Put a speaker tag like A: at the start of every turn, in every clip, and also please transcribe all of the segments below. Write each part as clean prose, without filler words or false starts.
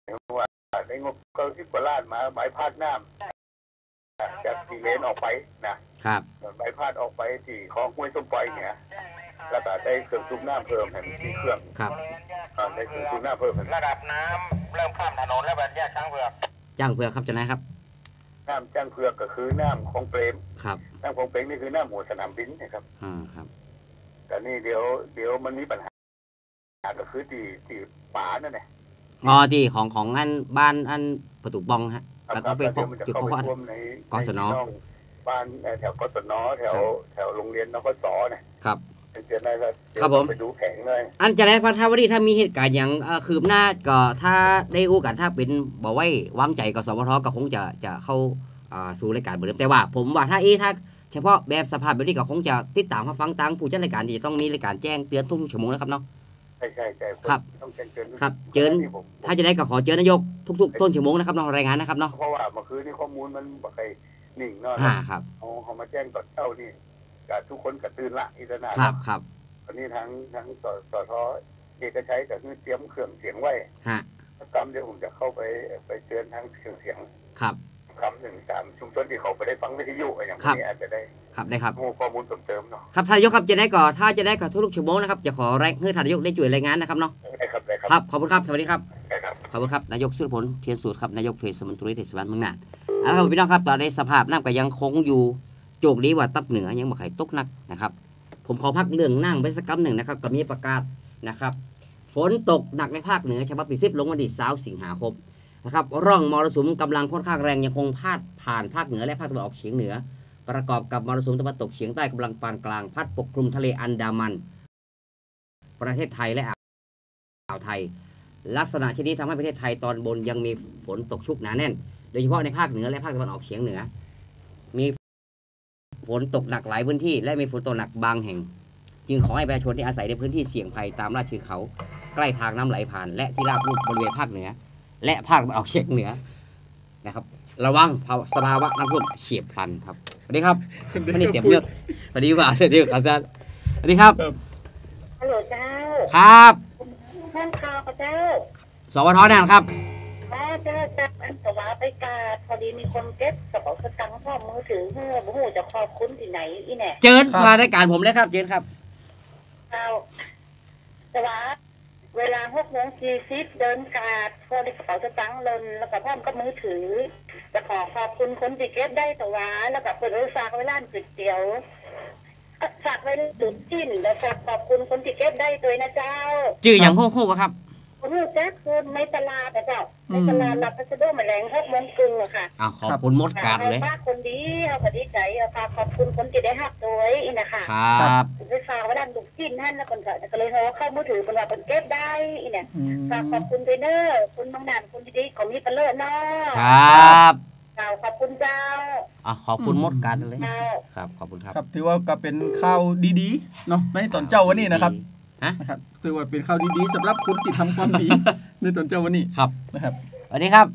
A: ว่าได้งบก็10 กว่าล้านมาใบพัดน้ำจากที่เลนออกไปนะครับใบพัดออกไปที่ของห้วยส้มปล่อยเนี่ยแล้วก็ได้เครื่องสูบน้ำเพิ่มให้มีเครื่อง
B: ครับ
A: ได้เครื่องสูบน้ำเพิ่ม
C: ระดับน้ำเริ่มข้ามถนนแล้วแบบแยกช้างเผือก
B: ครับเจ้านายครับ
A: น้ำจ้างเผือกก็คือน้ำของเปรม
B: ครับ
A: น้ำของเปรมนี่คือน้ำหัวสนามบินนะครับ
B: ครับ
A: แต่นี่เดี๋ยวมันมีปัญหาก็คือที่ป่านั่นแหละ
B: ที่ของอันบ้านอันประตูบองฮะแล้วก็ไปพบจุดเขา
A: ใน
B: กศน
A: บ้านแถวกศนแถวโรงเรียนนกศ
B: นะครับ
A: เดี๋ยวได้
B: ครับผม
A: ไปดูแข่งเลย
B: อันจะได้พัฒนาวดีถ้ามีเหตุการณ์อย่างคืบหน้าก็ถ้าได้อู้กันถ้าเป็นบอกไว้วางใจกับสวทก็คงจะเข้าสู่รายการเหมือนเดิมแต่ว่าผมว่าถ้าเฉพาะแบบสภาพแบบนี้ก็คงจะติดตามฟังตังผู้จัดรายการที่ต้องมีรายการแจ้งเตือนทุกชั่วโมงนะครับเนาะ
A: ใช่
B: ครับ
A: ต้องแจ้งเตือน
B: ครับเจอถ้าจะได้ก็ขอเจอนายกทุกต้นชั่วโมงนะครับเนาะรายงานนะครับเนาะ
A: เพราะว่าเมื่อคืนนี้ข้อมูลมันบ่เคยนิ่งเนาะ
B: ครับ
A: เขามาแจ้งตอนเช้านี่กับทุกคนก็ตื่นละอิสระ
B: ครับ
A: ตอนนี้ทั้งสทเอกชัยก็คือเตรียมเครื่องเสียงไว้กรรมเดี๋ยวผมจะเข้าไปเตือนทั้งเครื่องเสียง
B: ครับ
A: คำหนึ่งตามชุมชนที่เขาไปได้ฟังวิทยุอย่างนี้อาจจะได้
B: ครับ
A: ข้อมูลเติมเนาะ
B: ครับท่านนายกครับจะได้ก่อถ้าจะได้ก่อทุกชั่วโมงนะครับจะขอแรงให้ท่านนายกได้ช่วยรายงานนะครับเนาะครับขอบคุณครับสวัสดีครับขอบคุณครับนายกสุรพลเทียนสูตรครับนายกเทศมนตรีเทศบาลเมืองน่านแล้วครับพี่น้องครับตอนนี้สภาพน้ำก็ยังคงอยู่โจกนี้ว่าตัดเหนือยังบ่ไข่ตกนักนะครับผมขอพักเรื่องนั่งไปสักคำหนึ่งนะครับก็มีประกาศนะครับฝนตกหนักในภาคเหนือฉบับที่10ลงวันที่20 สิงหาคมนะครับร่องมรสุมกำลังค่อนข้างแรงยังคงพาดผ่านภาคเหนือและภาคตะวันออกเฉียงเหนือประกอบกับมรสุมตะวันตกเฉียงใต้กำลังปานกลางพัดปกคลุมทะเลอันดามันประเทศไทยและอ่าวไทยลักษณะเช่นนี้ทำให้ประเทศไทยตอนบนยังมีฝนตกชุกหนาแน่นโดยเฉพาะในภาคเหนือและภาคตะวันออกเฉียงเหนือมีฝนตกหนักหลายพื้นที่และมีฝนตกหนักบางแห่งจึงขอให้ประชาชนที่อาศัยในพื้นที่เสี่ยงภัยตามลาดเชิงเขาใกล้ทางน้ำไหลผ่านและที่ราบลุ่มบริเวณภาคเหนือและภาคตะวันออกเฉียงเหนือนะครับระวังสภาวะน้ำท่วมเฉียบพลันครับสวัสดีครับไม่ได้เตรียมเลือกสวัสดีครับสวัสดีครับอาจารย์สวัสดีครับ
D: ฮัลโหลเจ้า
B: ครับ
D: ท่านข่าวเจ้า
B: สวทนั่นครับ
D: เจ้าอันสวาไปกาพอดีมีคนเก็บกระเป๋าสตางค์พ่อมือถือเพื่อบุหูจะขอบคุณที่ไหนอีแน่
B: เจิญมารายการผมเลยครับเจิญครับ
D: เจ้าสวาเวลา6:40เดินกาดพอดีกระเป๋าสตางค์หล่นแล้วก็พ่อก็มือถือจะขอบคุณคนที่เก็บได้สวาแล้วก็เปิดฝากไว้ร้านก๋วยเตี๋ยวฝากไว้ตุ๋นจิ้นแล้วฝากขอบคุณคนที่เก็บได้ตัวนะเจ้า
B: จื่ออย่างโค้ครับ
D: คุณแจ๊คคือในตลาดเจ้าในตลาดรับพัสดุแมลง6:00 นอะค่ะ
B: ขอบคุณมดการเลย
D: ฝากคนดีเอาพอดีใจฝากขอบคุณคนที่ได้หักตัวอีนะคะ
B: ครับ
D: ไปฝากไว้ด้านดุกจิ้นท่านแล้วคนก็เลยโทรเข้ามือถือเป็นว่าเป็นเก็บได้อีเนี่ยฝากขอบคุณเทรนเนอร์คุณบางนานคุณดีของมีเปเลิศเนาะ
B: ครับ
D: ขอบคุณเจ้า
B: ขอบคุณมดการเลยครับขอบคุณครับ
E: ครับถือว่าก็เป็นข่าวดีๆเนาะในตอนเจ้าวันนี้นะครับนะครับถือว่าเป็นข่าวดีๆสำหรับคนที่ทำความดีในตอนเจ้าวันนี้
B: ครับ
E: นะครับ
B: สวัสดีครับ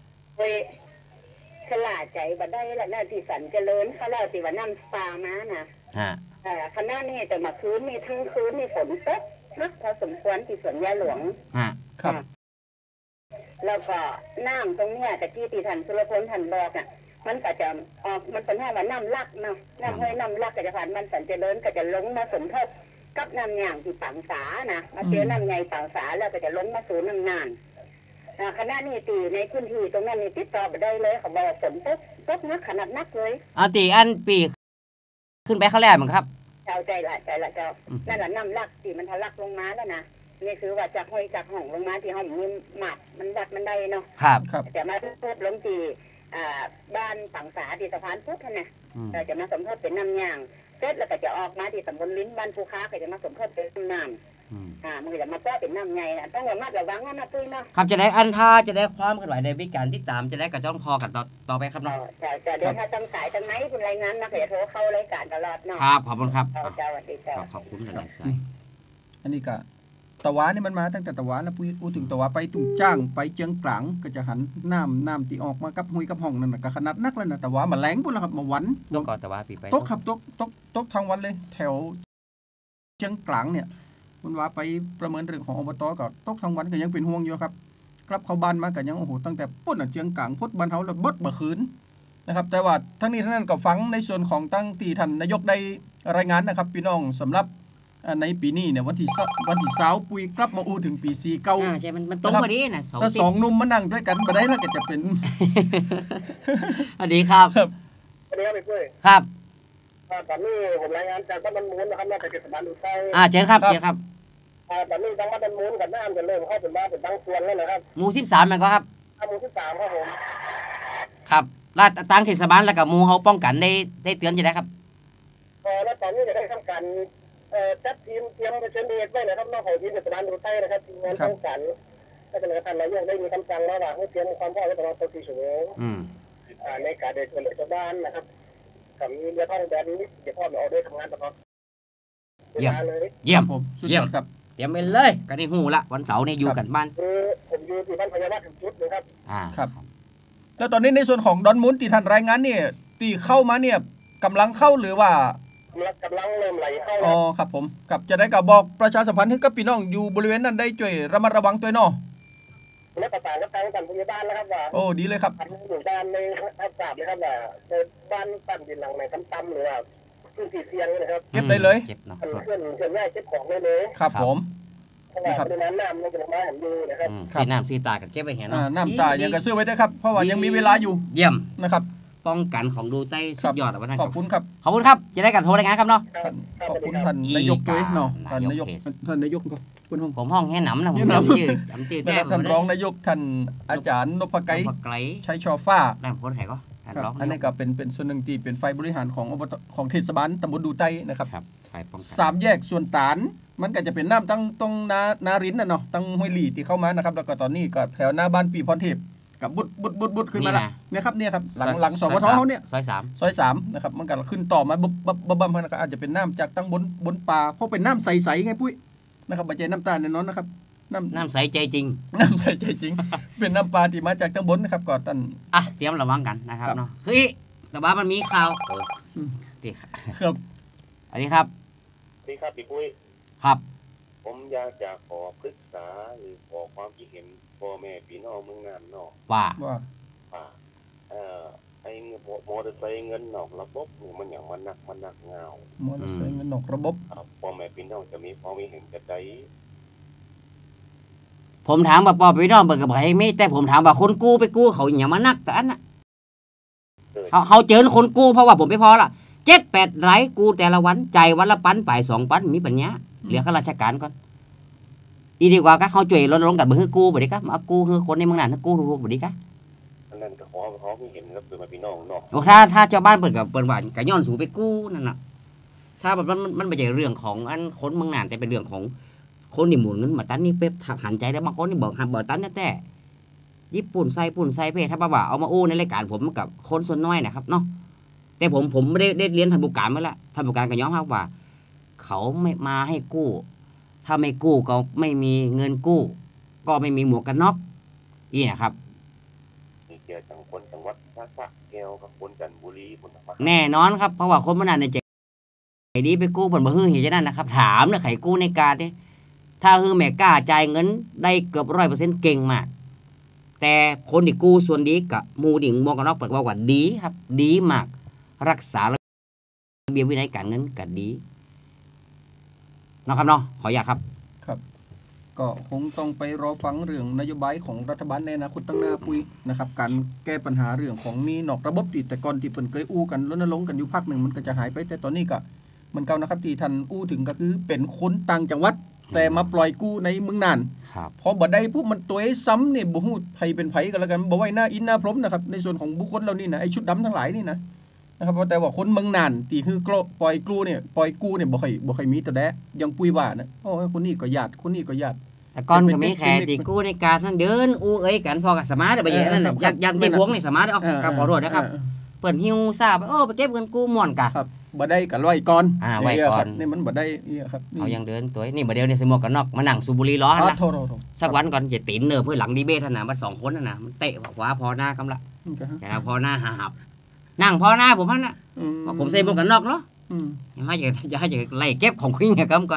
D: ขลาดใจบัดได้ละหน้าที่สันเจริญเขาเล่าสิว่าน้ำปลามานะคณะนี้แต่มาคืนมีทั้งคืนมีฝนตกนักพอสมควรที่สวนยาหลวง
E: ครับ
D: แล้วก็น้ำตรงเนี้ยแต่ที่ตีทันสุรพลทันบอกอ่ะมันก็จะออกมันเป็นแค่ว่าน้ำลักเนาะน้ำห้วยน้ำลักก็จะผ่านมันสันเจริญก็จะลงมาสมทบกับน้ำอย่างที่ปังสานะมาเจอน้ำใหญ่ปังสาแล้วก็จะลงมาสู่น้ำนานคณะนี้ตีในพื้นที่ตรงนั้นนี่ติดต่อไปได้เลยเขาบอกฝนตกนักขนาดนักเลย
B: ตีอันปีขึ้นไปเขาแรกมั้งครับ
D: ใจละเจ้านั่นแหละน้ำลักตีมันทะลักลงมาแล้วนะนี่คือว่าจากห้อยจากห้องลงมาที่ห้องมีหมัดมันดัดมันได้เนาะ
B: ครับ
D: แต่มาพูดลงตีบ้านปังสาที่สะพานพุทธนะแต่จะมาสมทบเป็นน้ำยางเสร็จแล้วก็จะออกมาที่ตำบลลิ้นบ้านภูค้าก็จะมาสมทบเป็นน้ำมันจะมาป้อเป็นน้ำไงต้องระมัดระวังนะตุ้ยเนาะ
B: ครับจะได้อันท่าจะได้ความเคลื่อนไหวในวิการติดตามจะได้กระจ้องคอกันต่อไปครับเนาะ
D: จะเดี๋ยวถ้าตั้งสายตั้งไหนคุณรายงานนะเดี๋ยวโทรเข้ารายการตลอดเนาะ
B: ครับขอบคุณครับ
D: สวัสดีครับ
B: ขอบคุณหลายสาย
E: อันนี้ก็ตะวันนี่มันมาตั้งแต่ตะวันแล้วพูดถึงตะวันไปตุ่งจ้างไปเจียงกลางก็จะหันน้ำที่ออกมากับหุยกับห้องนั่นก็ขนาดนักแล้วนะตะวันมาแรงพุ่นแล้วครับมาวัน
B: ตกก่อนตะวันปีไป
E: ตกครับตกทางวันเลยแถวเจียงกลางเนี่ยมันว่าไปประเมินเรื่องของอบตก็ตกทางวันก็ยังเป็นห่วงอยู่ครับกลับเข้าบ้านมาก็ยังโอ้โหตั้งแต่ปุ่นเจียงกลางพุทธบ้านเฮาแล้วบดบ่คืนนะครับแต่ว่าทั้งนี้ทั้งนั้นก็ฟังในส่วนของตั้งที่ท่านนายกได้รายงานนะครับพี่น้องสำหรับในปีนี้เนี่ยวันที่20ปุยกลับมาอู้ถึงปี49
B: ใช่มันตรงพอดีนะ
E: ถ้า2หนุ่มมานั่งด้วยกันบ่ได้แล้วก็จะเป็น
B: สวัสดีครับ
A: สวัสดีครับพี่ปุ้ย
B: ครับ
A: ตอนนี้ผมรายงานจากบ้านดอนมูลนะครับจากเทศบาลอุทัย
B: เชิญครับต
A: อนนี้ทางบ้านดอนมูลกับน้ำกันเริ่มเข้าเป็นบ้านเป็นบางส่วนแล้วนะครับ
B: หมู่13มันก็ครับ
A: หมู่13ครับผม
B: ครับลาดตั้งเทศบาลแล้วกับหมู่เฮาป้องกันได้เตือนจะได้ครับ
A: แล้วตอนนี้จะได้ทำการจัดทีมเตรียมเผชิญเหตุไว้นะครับนอกของทีมเทศบาลอุทัยนะครับทีมงานป้องกันและทางนายกได้มีคำสั่งแล้วว่าให้เตรียมความพร้อมไว้ตลอด24 ชั่วโมงในการเดินช่วยเหลือชาวบ้านนะครับกับมีเรือท่องแบบนี้เดี๋ยวพ่อเราได้ทำงานตลอด
B: เยี่ยมครับเยี่ยมเตรียมไปเลยกันในหูละวันเสาร์นี่อยู่กันบ้าน
A: ผมอยู่ที่บ้านพญานาคถึงจุดเลยครับ
E: ครับแล้วตอนนี้ในส่วนของดอนมูลที่ท่านรายงานเนี่ยที่เข้ามาเนี่ยกำลังเข้าหรือว่าก
A: ำลังเริ่มไหลเข้า
E: อ๋อครับผมกับจะได้กับบอกประชาสัมพันธ์ให้กับพี่น้องอยู่บริเวณนั้นได้ช่วยระมัดระวังตัวเนาะ
A: และประสานกับทางพยาบาลนะครับว่า
E: โอ้ดีเลยครับ
A: อยู่ด้านในรับทราบเลยครับว่าบ้านตั้งดินหลังไหนต่ำๆหรือว่าพื้นที่เสี่ยงนะครับ
E: เก็บได้เลย
B: เก็บเนาะ
A: เคลื่อนย้ายเก็บของได้เลย
E: ครับผม
A: นะครับในน้ำมันจะลงมาเห็นดูนะครับ
B: สีน้ำสีตากันเก็บไว้เห็นเนาะ
E: น้ำตายังกระซื้อไว้ได้ครับเพราะว่ายังมีเวลาอยู่
B: เยี่ยม
E: นะครับ
B: ป้องกันของดูใต้สุดยอดวันนั้น
E: ขอบคุณครับ
B: ขอบคุณครับจะได้กันโทรรายงานครับเนาะ
E: ขอบคุณท่านนายกด้วยเนาะท่านนายกก็คุณ
B: ผมห้องแห่หนำนะผมจำชื่อแต้ม
E: ท่านรองนายกท่านอาจารย์นพไกรชัยชอฟ้า
B: แต้มคนไหนก็
E: อันนี้ก็เป็นส่วนหนึ่งที่เป็นฝ่ายบริหารของเทศบาลตำบลดูใต้นะครับ3 แยกส่วนตานมันก็จะเป็นน้ำตั้งตรงนารินน่ะเนาะตั้งห้วยหลี่ที่เข้ามานะครับแล้วก็ตอนนี้ก็แถวหน้าบ้านปีพรเทพกับบุดขึ้นมาละเนี่ยครับหลังสวทเขาเนี่ย
B: ซ
E: อย3นะครับมันก็ขึ้นต่อมาบัมก็อาจจะเป็นน้ำจากตั้งบนป่าเพราะเป็นน้ำใสๆไงปุ้ยนะครับไม่ใช่น้ำตาลแน่นอนนะครับ
B: น้ำใสใจจริง
E: เป็นน้ำปลาที่มาจากตั้งบนนะครับก่อนตัน
B: เตรียมระวังกันนะครับเนาะคือแต่ว่ามันมีข่าว
E: ครับ
B: อันนี้ครับ
A: พี่ปุ้ย
B: ครับ
A: ผมอยากจะขอปรึกษาหรือขอความคิดเห็นพ่อแม่พี่น้องเมืองน่านเนาะ
B: ว่า
A: ไอ้มอเตอร์ไซค์เงินนอกระบบมันอย่างมันหนักเงาม
E: อเตอร์ไซค์เงินนอกระบบ
A: พ่อแม่พี่น้องจะมีความเห็นจะใจ
B: ผมถามว่าปอพี่น้องเบิกกับใครไม่แต่ผมถามว่าคนกู้ไปกู้เขาอย่างมานักแต่อันน่ะเขาเจอคนกู้เพราะว่าผมไม่พอละ7-8 ไร่กู้แต่ละวันใจวันละปันไป2 ปันมีปัญญาเหลือข้าราชการก่อนอีดีกว่าก็เขาช่วยลดลงกับเบอร์กู้บ่ได้ครับมากู้คือคนในเมืองนั้นกู้รู้บ่ดีครับ
A: นั่นก็เขาไม่เห็นครับคือมาพี่น้องเนาะ
B: ถ้าชาวบ้านเปิดกับเปิดว่าก็ย้อนสู่ไปกู้นั่นน่ะถ้าแบบมันไม่ใช่เรื่องของอันคนเมืองนั้นแต่เป็นเรื่องของคนที่หมุนเงินมาตันนี่เป๊บหันใจได้บางคนนี่บอกหันบ่ตันแต่ญี่ปุ่นใส่เพถ้าว่าเอามาอู้ในรายการผมกับคนส่วนน้อยนะครับเนาะแต่ผมไม่ได้เรียนทันบุการมาแล้วทันบุการก็ย้อนครับว่าเขาไม่มาให้กู้ถ้าไม่กู้ก็ไม่มีเงินกู้ก็ไม่มีหมวกกันน็อกอีนะครับ
A: เกี่ยวกับคนจังหวัดสระแก้วกับคนจันทบุรี
B: แน่นอนครับเพราะว่าคนมันในใจดีไปกู้ผลบ่ฮื้อเห็นจะนั่นนะครับถามนะไขกู้ในการเนี่ยถ้าฮื้อแม่กล้าจ่ายเงินได้เกือบ100%เก่งมากแต่คนที่กู้ส่วนดีกับมูดิ่งหมวกกันน็อกเปิดว่าดีครับดีมากรักษาระเบียบวินัยการเงินก็ดีนะครับเนาะขออยากครับ
E: ก็คงต้องไปรอฟังเรื่องนโยบายของรัฐบาลในอนาคตตั้งหน้าปุ้ยนะครับการแก้ปัญหาเรื่องของนี้นอกระบบที่แต่ก่อนที่เพิ่นเคยอู้กันรณรงค์กันอยู่พักหนึ่งมันก็จะหายไปแต่ตอนนี้ก็มันเก่านะครับที่ท่านอู้ถึงก็คือเป็นคนต่างจังหวัดแต่มาปล่อยกู้ในเมืองน่านพอบ่ได้ปุ๊บมันตัวซ้ำเนี่ยบ่ฮู้ไผเป็นไผกันแล้วกันบ่ไว้หน้าอินหน้าพรมนะครับในส่วนของบุคคลเหล่านี้นะไอ้ชุดดำทั้งหลายนี่นะครับแต่ว่าคนเมืองน่านที่คือปล่อยกู้เนี่ยบ่ค่อยมีแต่แดะยังปุ้ยว่านะโอ้คนนี้ก็ญาติคนนี้ก็ญาติ
B: แต่ก่อนก็มีแค่ตีกู้ในการทั้งเดินอู้เอ้ยกันพอกับสมาร์ทไปอย่างนั้นน่ะอย่างที่พวงนี่สมาร์ทเอากับขอโทษนะครับเปิ้นหิวทราบไปเก็บเงินกู้ม่วนกะ
E: ครับบ่ได้ก็ร้อยก่อน
B: ไว้ก่อน
E: นี่มันบ่ได้ครับ
B: เอายังเดินตัวนี่บ่เดียวนี่ใส่หมวกกันน็อกมานั่งสูบบุหรี่ล้อนะสักวันก่อนจะตีนเนอเพื่อหลังดีเบทน่ะว่า2คนน่ะมันเตะขวาพอหน้ากำละแต่พอหน้าหับนั่งพอหน้าผมน่ะผมใส่หมวกกันน็อกเนาะอย่าให้ไล่เก็บของคุยเนี่ยกำก่อน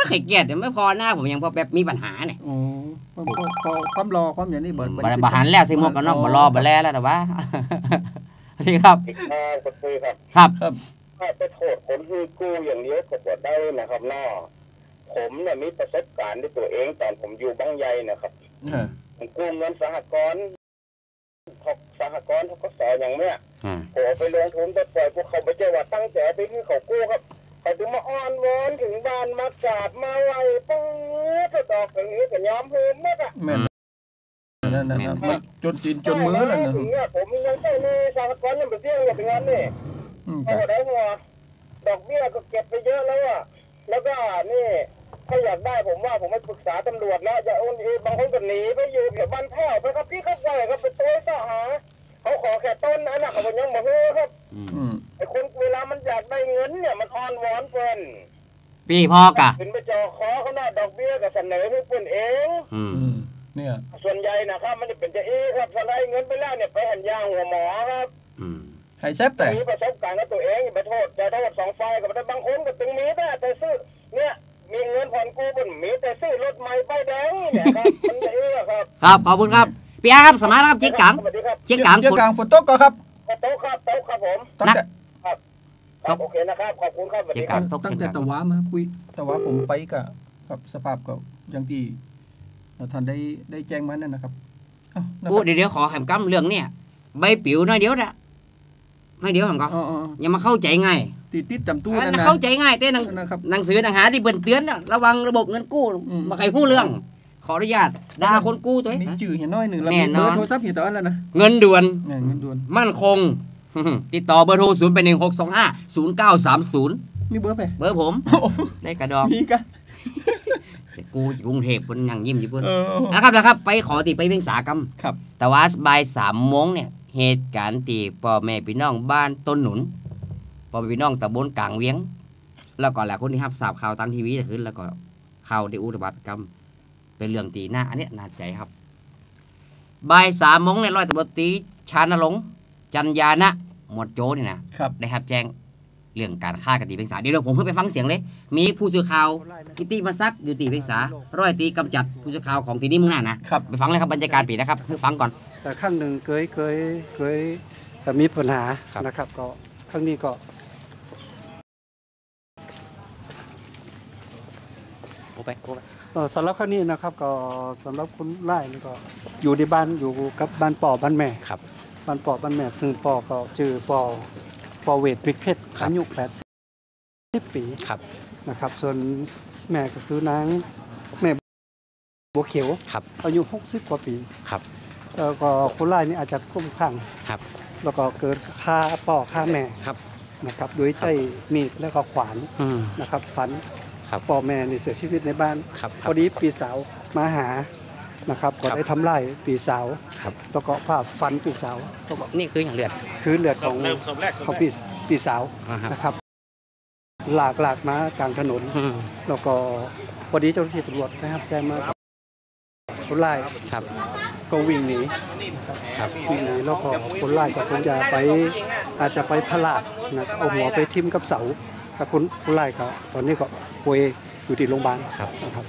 B: ไม่เคยเกลียดไม่พอหน้าผมยังพอแบบมีปัญหาเนี่ย
E: โอ้ความรอความอย่างนี้เบิร์ด
B: บาหันแล้วใส่หมวกกันน็อกบ่รอบ่แลแล้วแต่ว่านี่ครับ
A: ก็คือครับ
B: ครับ
A: ถ้าไปโทษคนที่กู้อย่างเดียวก็บ่ได้นะครับน้อผมเนี่ยมีประสบการณ์ด้วยตัวเองตอนผมอยู่บางใหญ่นะครับผมกู้เงินสหกรณ์ทกสอย่างเนี้ยโอ้ไปลงทุนแต่ปล่อยพวกเขาไปเจอว่าตั้งใจไปที่เขากู้ครับเขาถึงมาอ้อนวอนถึงบ้านมากราบมาไหว้ปุ๊บก็ตอกอย่างนี้ก็ยอมเพิ่มมากอ่ะ
E: นั่นจนจีนจนมือแล้วนะ
A: ถึงเนี่ยผมยังใช้ในสหกรณ์ยังไปเสี่ยงอย่างเป็นงานนี่เขาได้หัวดอกเบี้ยก็เก็บไปเยอะแล้วอ่ะแล้วก็นี่ถ้าอยากได้ผมว่าผมไปปรึกษาตำรวจแล้วอย่าโอนบางคนก็หนีไปอยู่แถวบ้านแพ้วไปครับพี่ครับไปครับไปตัวเสาหาเขาขอแค่ต้นนั้นนะเขายังมาเฮ้ครับไอ้คนเวลามันอยากได้เงินเนี่ยมันอ่อนวอนเพิ่น
B: ปีพ่อกะ
A: ขึ้นไปจอคอเขาหน้าดอกเบี้ยก็เสนอให้เพิ่นเอง
E: เนี่ย
A: ส่วนใหญ่นะครับมันจะเป็นจะครับสไลด์เงินไปแล้วเนี่ยไปหันยางหัวหมอครับ
E: ให้แซบแต่
A: มีประสบการณ์กับตัวเองไปโทษจะโทษสองฝ่ายกับแต่บางคนก็ตึงมีแต่ซื้อเนี่ยมีเงินผ่อนกู้บนมีแต่ซื้อรถใหม่ป้ายแดงเนี่ยครับมันจะครับ
B: ครับขอบคุณครับพี่อาครับสมัยครับเจ๊กัง
E: เจ๊กังฝนตกก็ครับ
A: โต๊ะครับผมครับโอเคนะครับขอบคุณครับ
B: เจ๊กัง
E: ตั้งแต่ตะวะมาคุยตะวะผมไปกับสภาพก็อย่างที่ท่านได้แจ้งมานั่นนะครับ
B: โอ้เดี๋ยวขอแหมกำเรื่องเนี่ยใบปิ๋วน้อยเดียวนะน้อยเดียวแหมก็อย่ามาเข้าใจง่าย
E: ติดจำตู้
B: นั่นเข้าใจง่ายแต่หนังสือหนังหาที่เบิ่นเตือนระวังระบบเงินกู้มาใครพูดเรื่องขออนุญาตด่าคนกู้ตัว
E: มีจื่อเห็นน้อยหนึ่งแล้วมีเบอร์โทรศัพท์เห็นตอนแล้วนะ
B: เงินด่วนมั่นคงติดต่อเบอร์โทร0 8 1 6 2 5 0 9 3 0
E: มีเบอร์ไป
B: เบอร์ผมได้กระดอง
E: มีกะ
B: กูกรุงเทพคนยังยิ้มอยู่เพื่อนนะครับไปขอตีไปเวียงสากรรมแต่ว่าบ่าย3 โมงเนี่ยเหตุการณ์ตีพ่อแม่พี่น้องบ้านต้นหนุนพ่อแม่พี่น้องตำบลกลางเวียงแล้วก็หลายคนที่รับทราบข่าวทางทีวีจะขึ้นแล้วก็ข่าวได้อุบัติกรรมเป็นเรื่องตีหน้าอันนี้น่าใจครับบ่าย3 โมงเนี่ยร้อยตำรวจตรีชานรงค์จันยานะหมวดโจนี่นะได้รับแจ้งเรื่องการฆ่ากันตีเพียงสาเดี๋ยวผมเพิ่งไปฟังเสียงเลยมีผู้สื่อข่าวกิติมาซักอยู่ตีเพียงสาร้อยตีกำจัดผู้สื่อข่าวของทีนี้มึงหน้านะไปฟังเลยครับบรรยากาศปีนะครับเพิ่งฟังก่อน
F: แต่ครั้งหนึ่งเคยมีปัญหานะครับก็ครั้งนี้ก็สำหรับครั้งนี้นะครับก็สำหรับคนไล่นี่ก็อยู่ในบ้านอยู่กับบ้านป่อบ้านแม่บ้านป่อบ้านแม่ถึงป่อก็จื่อป่อเวทพริกเพชรอายุ80 ปีนะครับส่วนแม่ก็คือนางแม่บัวเขียวอายุ60 กว่าปีแล้วก็คนไล่นี่อาจจะคลุ้มคลั่งแล้วก็เกิดฆ่าป่อฆ่าแม่นะครับโดยใช้มีดแล้วก็ขวานนะครับฟันป่อแม่นี่เสียชีวิตในบ้านพอดีปีสาวมาหานะครับก็ได้ทำลายปีสาวแล้วก็ผ่าฟันปีสาว
B: นี่คืออย่างเลือด
F: ของปีสาวนะครับหลากมากลางถนนแล้วก็พอดีเจ้าหน้าที่ตำรวจนะครับแจ้งมาคนไล่ก็วิ่งหนีแล้วก็คนไล่ก็คงจะไปอาจจะไปพลาดนะเอาหัวไปทิ่มกับเสาแต่คนไล่ก็ตอนนี้ก็ป่วยอยู่ที่โรงพยาบาลนะครับ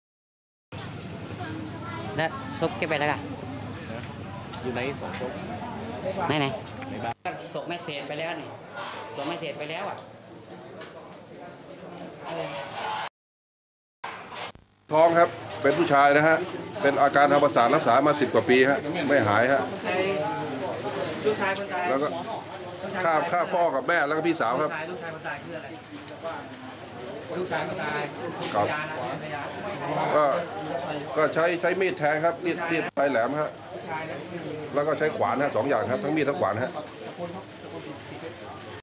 B: และศพเก็บไปแล้วกัน
C: อยู่ใน2 ศพ
B: ไหนศพแม่เศษไปแล้วนี่ศพแม่เศษไปแล้วอ่ะ
G: ท้องครับเป็นผู้ชายนะฮะเป็นอาการทางประสาทรักษามา10 กว่าปีฮะไม่หายฮะแล้วก็ฆ่าพ่อกับแม่แล้วก็พี่สาวครับลูกชายคนตายคืออะไรลูกชายคนตายก็ใช้มีดแทงครับมีดปลายแหลมฮะแล้วก็ใช้ขวานฮะ2 อย่างครับทั้งมีดทั้งขวานฮะ